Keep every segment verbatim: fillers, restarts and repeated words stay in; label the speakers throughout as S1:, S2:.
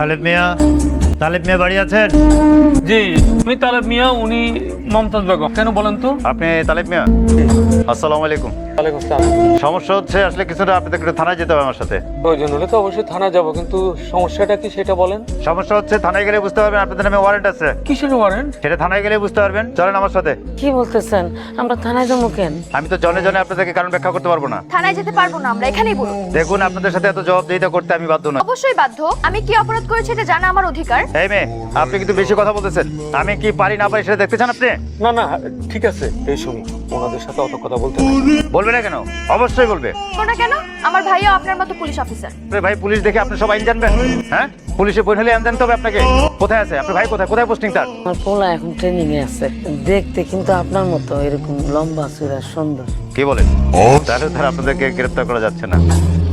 S1: তালেব মিয়া, তালেব মিয়া বাড়ি আছেন?
S2: জি, আমি তালেব মিয়া, উনি মমতাজ বেগম। কেন বলেন তো?
S1: আপনি তালেব মিয়া? আসসালামু আলাইকুম।
S2: ওয়ালাইকুম আসসালাম।
S1: সমস্যা হচ্ছে আসলে কিছুটা আপনাদের একটু থানায় যেতে হবে আমার সাথে।
S2: প্রয়োজন হলে তো অবশ্যই থানা যাব, কিন্তু সমস্যাটা কি সেটা বলেন।
S1: সমস্যা হচ্ছে থানায় গেলে বুঝতে পারবেন আপনাদের নামে ওয়ারেন্ট আছে।
S2: কিসের ওয়ারেন্ট?
S1: সেটা থানায় গেলে বুঝতে পারবেন। চলেন আমার সাথে।
S3: কি বলতেছেন? আমরা থানায় যাবো কেন?
S1: আমি তো জনে জনে আপনাদেরকে কারণ ব্যাখ্যা করতে পারবো না।
S4: থানায় যেতে পারবো না, আমরা এখানেই বলুন।
S1: দেখুন, আপনাদের সাথে এত জবাবদিহিতা করতে আমি বাধ্য না।
S4: অবশ্যই বাধ্য। আমি কি অপরাধ করেছি এটা জানা আমার অধিকার।
S1: এই মেয়ে, আপনি কিন্তু বেশি কথা বলতেছেন। আমি কি পারি না পারি সেটা দেখতে চান আপনি?
S2: না না, ঠিক আছে, এই শুনি, ওনাদের সাথে অত কথা বলতে নাই।
S1: বলবে না কেন? অবশ্যই বলবে।
S4: শোনা কেন? আমার ভাইও আপনার মতো পুলিশ অফিসার।
S1: আরে ভাই, পুলিশ দেখে আপনি সব আইন জানবেন? হ্যাঁ, পুলিশে বই হলে আইন জানতে হবে আপনাকে। কোথায় আছে আপনার ভাই? কোথায় কোথায় পোস্টিং তার?
S3: আমার পোলা এখন ট্রেনিং এ আছে। দেখতে কিন্তু আপনার মতো এরকম লম্বা চূড়া সুন্দর।
S1: কি বলেন? তাহলে তার আপনাদেরকে গ্রেফতার করা যাচ্ছে না।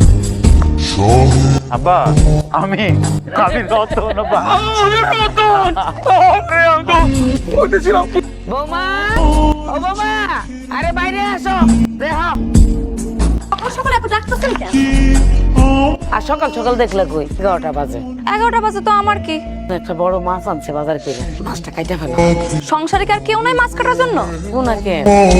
S1: আব্বা, আমি আমি রতন আব্বা।
S3: বৌমা, ও বৌমা, আরে বাইরে আসো। দেখো,
S4: সকাল সকাল এত ডাকতেছেন কেন?
S3: আর সকাল সকাল দেখলে কই এগারোটা বাজে।
S4: এগারোটা বাজে তো আমার কি?
S3: একটা বড় মাছ আনছে বাজার থেকে, মাছটা কাইটা ফেলো।
S4: সংসারে কি আর কেউ নাই মাছ কাটার জন্য?
S3: ওনাকে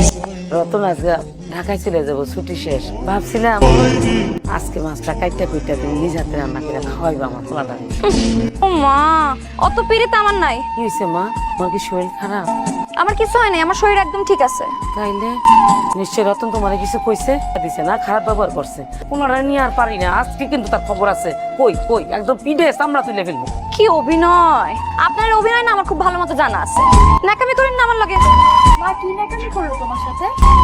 S3: রতন আজকে ঢাকায় চলে যাবো, ছুটি শেষ। ভাবছিলাম আজকে মাছটা কাইটা কুইটা তুমি নিজ হাতে রান্না করে খাওয়াইবা আমার পোলাটা।
S4: ও মা, অত পিড়িতে আমার নাই।
S3: কি হয়েছে মা, তোমার কি শরীর খারাপ?
S4: আমার কিছু হয় নাই, আমার শরীর একদম ঠিক আছে।
S3: তাইলে নিশ্চয় রতন তোমার কিছু কইছে দিছে না, খারাপ ব্যবহার করছে। কোনটা নিয়ে আর পারি না, আজকে কিন্তু তার খবর আছে। কই কই একদম পিঠে চামড়া তুলে ফেলবো।
S4: কি অভিনয়! আপনার অভিনয় না আমার খুব ভালো মতো জানা আছে। নাকামি করেন না আমার লগে। মা কি নাকামি করলো তোমার সাথে?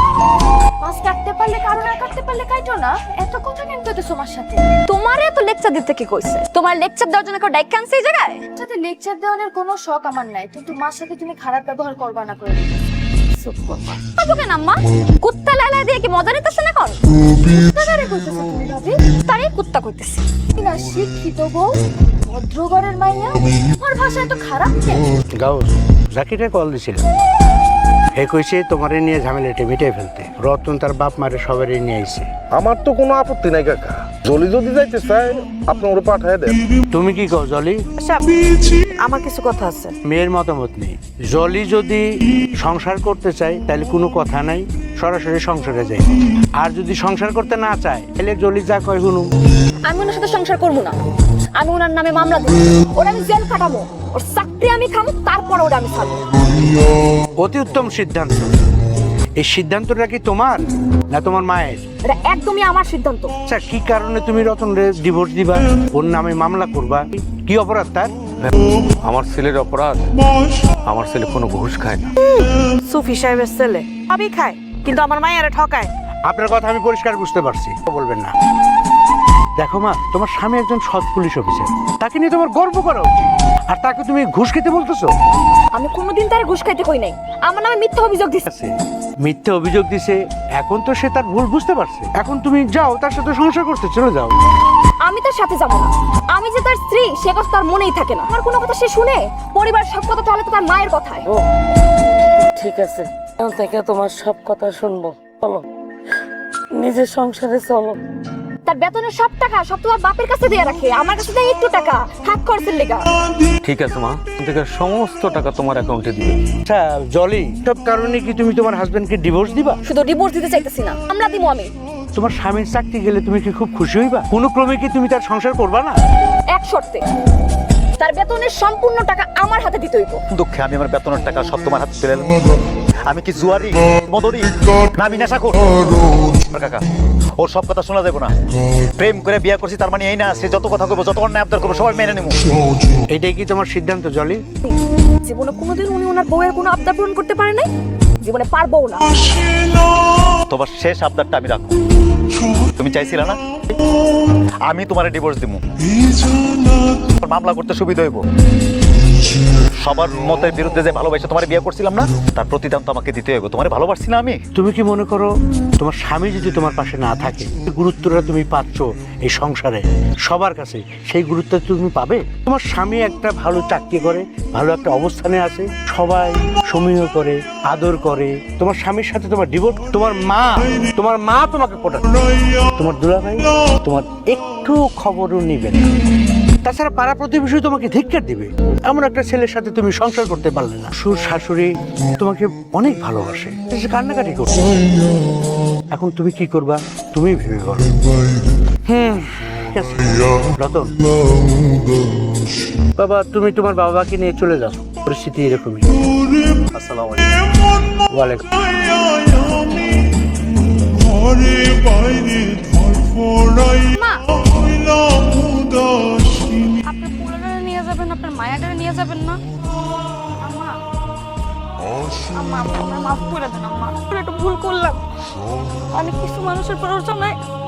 S4: মাছ কাটতে পারলে কারো না কাটতে পারলে কাইটো না। এত কথা কেন কইতেছো আমার সাথে? তোমারে এত লেকচার দিতে কি কইছে? তোমার লেকচার দেওয়ার জন্য কেউ ডাইক কানছে এই জায়গায়? সাথে লেকচার দেওয়ার কোনো শখ আমার নাই, কিন্তু মার সাথে তুমি খারাপ ব্যবহার করবা না করে।
S3: চুপ করবা।
S4: আবু কেন আম্মা? কুত্তা লালা দিয়ে কি মজা নিতেছ না কোন? কুত্তা কারে কইতেছ তুমি ভাবি? তারে কুত্তা কইতেছি। না শিক্ষিত বউ, ভদ্রঘরের মাইয়া, তোমার ভাষা এত খারাপ কেন?
S5: গাউস জাকিরে কল দিছিল, হে কইছে তোমারে নিয়ে ঝামেলাটা মিটাই ফেলতে। রতন তার বাপ মারে সবারই নিয়ে আইছে।
S6: আমার তো কোনো আপত্তি নাই কাকা, জলি যদি যাইতে চাই আপনি ওরা পাঠায় দেন।
S5: তুমি কি কও জলি?
S3: আমার কিছু কথা আছে।
S5: মেয়ের মতামত নেই। জলি যদি সংসার করতে চায় তাহলে কোনো কথা নাই, সরাসরি সংসারে যাই। আর যদি সংসার করতে না চায় তাহলে জলি যা কয় শুনু।
S4: আমি ওনার সাথে সংসার করবো না। আমি ওনার নামে মামলা দেব, ওরা আমি জেল কাটাবো, ওর চাকরি আমি খাবো, তারপর ওরা আমি ছাড়বো।
S5: অতি উত্তম সিদ্ধান্ত। এই সিদ্ধান্তটা কি তোমার না তোমার মায়ের?
S4: এটা একদমই আমার সিদ্ধান্ত।
S5: আচ্ছা, কি কারণে তুমি রতনরে ডিভোর্স দিবা, ওর নামে মামলা করবা? কি অপরাধ তার?
S2: আমার ছেলের অপরাধ, আমার ছেলে কোনো ঘুষ খায় না।
S3: সুফি সাহেবের ছেলে সবই খায়, কিন্তু আমার মায়ের ঠকায়।
S5: আপনার কথা আমি পরিষ্কার বুঝতে পারছি, বলবেন না। দেখো মা, তোমার স্বামী একজন সৎ পুলিশ অফিসার, তাকে নিয়ে তোমার গর্ব করা উচিত। আর তাকে তুমি ঘুষ খেতে বলতেছো?
S4: আমি কোনোদিন তার ঘুষ খাইতে কই নাই। আমার নামে মিথ্যা অভিযোগ দিচ্ছে।
S5: আছে, মিথ্যে অভিযোগ দিছে। এখন তো সে তার ভুল বুঝতে পারছে। এখন তুমি যাও, তার সাথে সংসার করতে চলে যাও।
S4: আমি তার সাথে যাবো না। আমি যে তার স্ত্রী সে কথা তার মনেই থাকে না। আমার কোনো কথা সে শুনে, পরিবার সব কথা চলে তো তার মায়ের কথায়।
S3: ও ঠিক আছে, এখন থেকে তোমার সব কথা শুনবো। চলো নিজের সংসারে চলো।
S4: তার বেতনের সব টাকা সব তোমার বাপের কাছে দিয়ে রাখে, আমার কাছে দেয় একটু টাকা হাত খরচের লেগা।
S2: ঠিক আছে মা, থেকে সমস্ত টাকা তোমার অ্যাকাউন্টে দিবে।
S5: আচ্ছা জলি, সব কারণে কি তুমি তোমার হাজবেন্ডকে ডিভোর্স দিবা?
S4: শুধু ডিভোর্স দিতে চাইতেছি না, আমরা দিব। আমি
S5: তোমার স্বামীর চাকরি গেলে তুমি কি খুব খুশি হইবা? কোনো ক্রমে কি তুমি তার সংসার করবা না?
S4: এক শর্তে, তার বেতনের সম্পূর্ণ টাকা আমার হাতে দিতে হইব।
S1: দুঃখে আমি আমার বেতনের টাকা সব তোমার হাতে তুলে দিলাম। আমি কি জুয়ারি, মদরি, না আমি নেশা করি? কাকা, ওর সব কথা শোনা যাবে না। প্রেম করে বিয়ে করছি তার মানে এই না সে যত কথা কইবো, যত অন্যায় আবদার করবো সবাই মেনে নেবো।
S5: এটাই কি তোমার সিদ্ধান্ত জলি?
S4: জীবনে কোনোদিন উনি ওনার বউয়ের কোনো আবদার পূরণ করতে পারে নাই, জীবনে পারবও না।
S1: তোমার শেষ আবদারটা আমি রাখবো। তুমি চাইছিলে না আমি তোমার ডিভোর্স দিব, মামলা করতে সুবিধা হইব। সবার মতের বিরুদ্ধে যে ভালোবাসা তোমার বিয়ে করছিলাম না, তার প্রতিদান তো আমাকে দিতে হবে। তোমার ভালোবাসছি না আমি?
S5: তুমি কি মনে করো তোমার স্বামী যদি তোমার পাশে না থাকে, গুরুত্বটা তুমি পাচ্ছ এই সংসারে সবার কাছে, সেই গুরুত্ব তুমি পাবে? তোমার স্বামী একটা ভালো চাকরি করে, ভালো একটা অবস্থানে আছে, সবাই সমীহ করে, আদর করে। তোমার স্বামীর সাথে তোমার ডিভোর্স, তোমার মা তোমার মা তোমাকে পটাচ্ছে, তোমার দুলাভাই তোমার একটু খবরও নিবে না। তাছাড়া পাড়া প্রতিবেশী তোমাকে ধিক্কার দিবে। এমন একটা ছেলের সাথে তুমি সংসার করতে পারলে না। শ্বশুর শাশুড়ি তোমাকে অনেক ভালোবাসে, সে কান্নাকাটি করছে। এখন তুমি কি করবা তুমি ভেবে বলো। হুম ঠিক আছে রতন, বাবা তুমি তোমার বাবাকে নিয়ে চলে যাও, পরিস্থিতি এরকমই।
S1: আসসালামু আলাইকুম।
S5: ওয়ালাইকুম।
S4: মা আপনার পুরানোরে নিয়ে যাবেন, আপনার মায়াটারে নিয়ে যাবেন না? আম্মা আম্মা আপনার মাফ করে দেন আম্মা, একটু ভুল করলাম। আমি কিছু মানুষের প্ররোচনায়